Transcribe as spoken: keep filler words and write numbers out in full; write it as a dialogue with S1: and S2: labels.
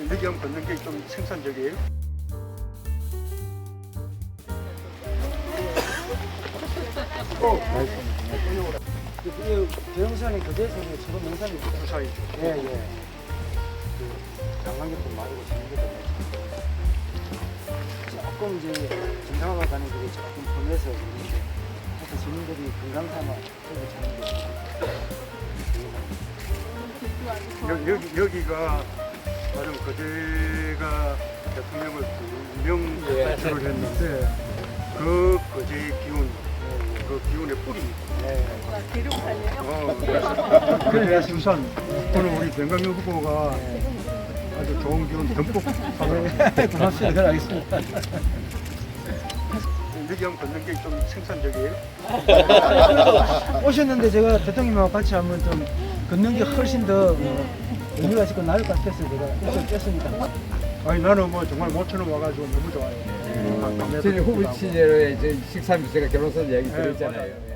S1: 여기 한번 걷는 게 좀 생산적이에요. 어,
S2: 이 대형산이 그대에서는 지금 농산이
S1: 부사이죠.
S2: 예, 예. 그 관광객도 많이 오시는 것도 많고 조금 이제 정상화가 가는 길이 조금 험해서 그런데 하여튼 시민들이 건강 삼아
S1: 여기, 여기, 여기가 나름 거제가 대통령을 두 명 배출을 했는데 그 거제 기운, 그 기운의 뿌리입니다. 어, 그래 수산 오늘 우리 변강용 후보가 아주 좋은 기운 듬뿍 받아요.
S2: 고맙습니다. 알겠습니다.
S1: 여기 한번 걷는 게 좀 생산적이에요.
S2: 오셨는데 제가 대통령님하고 같이 한번 좀 걷는 게 훨씬 더 어, 의미가 있고 나을 것 같아서 제가 좀 뺐습니다.
S1: 아니 나는 뭐 정말 모처럼 와가지고 너무 좋아요.
S3: 저희 후보 시절에 식사 미세가 결혼선 얘기 들었잖아요.